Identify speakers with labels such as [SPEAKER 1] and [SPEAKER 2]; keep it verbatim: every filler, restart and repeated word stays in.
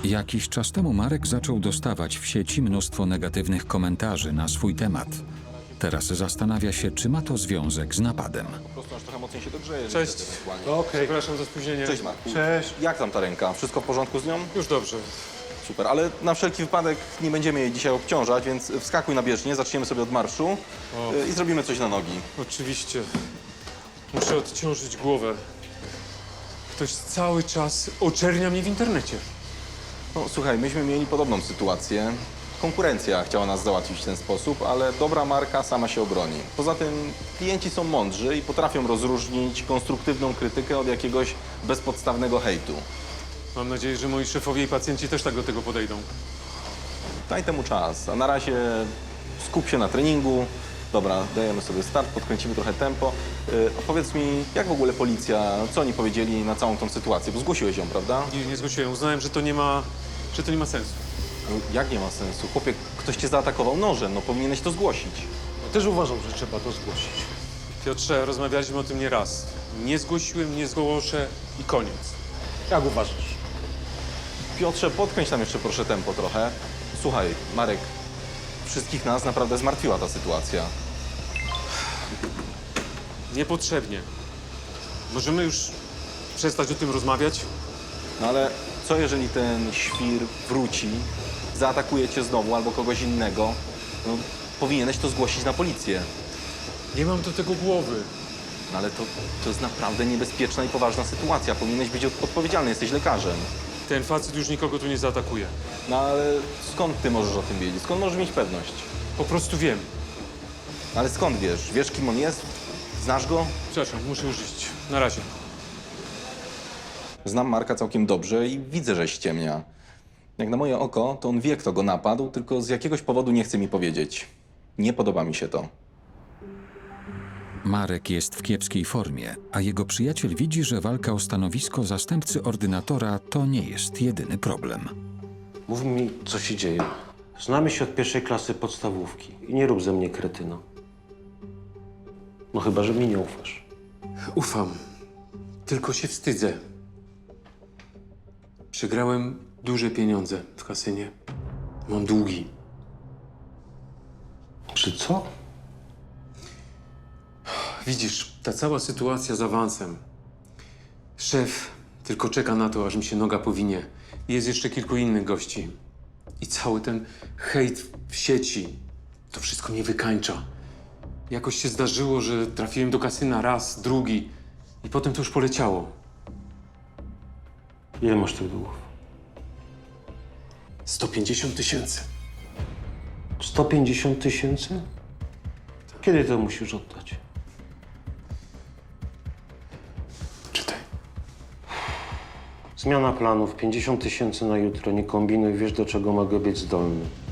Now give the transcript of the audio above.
[SPEAKER 1] Jakiś czas temu Marek zaczął dostawać w sieci mnóstwo negatywnych komentarzy na swój temat. Teraz zastanawia się, czy ma to związek z napadem.
[SPEAKER 2] Po prostu aż trochę mocniej się dogrzeje.
[SPEAKER 3] Cześć.
[SPEAKER 2] No,
[SPEAKER 3] Okej. Przepraszam za spóźnienie.
[SPEAKER 2] Cześć Marku.
[SPEAKER 3] Cześć.
[SPEAKER 2] Jak tam ta ręka? Wszystko w porządku z nią?
[SPEAKER 3] Już dobrze.
[SPEAKER 2] Super, ale na wszelki wypadek nie będziemy jej dzisiaj obciążać, więc wskakuj na bieżnię, zaczniemy sobie od marszu
[SPEAKER 3] O.
[SPEAKER 2] y, i zrobimy coś na nogi.
[SPEAKER 3] Oczywiście. Muszę odciążyć głowę. Ktoś cały czas oczernia mnie w internecie.
[SPEAKER 2] No słuchaj, myśmy mieli podobną sytuację. Konkurencja chciała nas załatwić w ten sposób, ale dobra marka sama się obroni. Poza tym klienci są mądrzy i potrafią rozróżnić konstruktywną krytykę od jakiegoś bezpodstawnego hejtu.
[SPEAKER 3] Mam nadzieję, że moi szefowie i pacjenci też tak do tego podejdą.
[SPEAKER 2] Daj temu czas, a na razie skup się na treningu. Dobra, dajemy sobie start, podkręcimy trochę tempo. Yy, opowiedz mi, jak w ogóle policja, co oni powiedzieli na całą tą sytuację? Bo zgłosiłeś ją, prawda?
[SPEAKER 3] Nie, nie zgłosiłem. Uznałem, że to nie ma, że to nie ma sensu.
[SPEAKER 2] No, jak nie ma sensu? Chłopie, ktoś cię zaatakował nożem, no powinieneś to zgłosić.
[SPEAKER 4] Też uważam, że trzeba to zgłosić.
[SPEAKER 3] Piotrze, rozmawialiśmy o tym nie raz. Nie zgłosiłem, nie zgłoszę i koniec.
[SPEAKER 4] Jak uważasz?
[SPEAKER 2] Piotrze, podkręć tam jeszcze proszę tempo trochę. Słuchaj, Marek, wszystkich nas naprawdę zmartwiła ta sytuacja.
[SPEAKER 3] Niepotrzebnie. Możemy już przestać o tym rozmawiać?
[SPEAKER 2] No ale co jeżeli ten świr wróci, zaatakuje cię znowu albo kogoś innego? No, powinieneś to zgłosić na policję.
[SPEAKER 3] Nie mam do tego głowy.
[SPEAKER 2] No ale to, to jest naprawdę niebezpieczna i poważna sytuacja. Powinieneś być od- odpowiedzialny, jesteś lekarzem.
[SPEAKER 3] Ten facet już nikogo tu nie zaatakuje.
[SPEAKER 2] No ale skąd ty możesz o tym wiedzieć? Skąd możesz mieć pewność?
[SPEAKER 3] Po prostu wiem.
[SPEAKER 2] Ale skąd wiesz? Wiesz, kim on jest? Znasz go?
[SPEAKER 3] Przepraszam, muszę już iść. Na razie.
[SPEAKER 2] Znam Marka całkiem dobrze i widzę, że ściemnia. Jak na moje oko, to on wie, kto go napadł, tylko z jakiegoś powodu nie chce mi powiedzieć. Nie podoba mi się to.
[SPEAKER 1] Marek jest w kiepskiej formie, a jego przyjaciel widzi, że walka o stanowisko zastępcy ordynatora to nie jest jedyny problem.
[SPEAKER 4] Mów mi, co się dzieje. Znamy się od pierwszej klasy podstawówki i nie rób ze mnie kretyna. No chyba, że mi nie ufasz.
[SPEAKER 3] Ufam. Tylko się wstydzę. Przegrałem duże pieniądze w kasynie. Mam długi.
[SPEAKER 4] Czy co?
[SPEAKER 3] Widzisz, ta cała sytuacja z awansem. Szef tylko czeka na to, aż mi się noga powinie. Jest jeszcze kilku innych gości. I cały ten hejt w sieci, to wszystko mnie wykańcza. Jakoś się zdarzyło, że trafiłem do kasyna raz, drugi i potem to już poleciało.
[SPEAKER 4] Ile masz tych długów?
[SPEAKER 3] sto pięćdziesiąt tysięcy.
[SPEAKER 4] sto pięćdziesiąt tysięcy? Kiedy to musisz oddać?
[SPEAKER 3] Czytaj.
[SPEAKER 4] Zmiana planów, pięćdziesiąt tysięcy na jutro. Nie kombinuj, wiesz, do czego mogę być zdolny.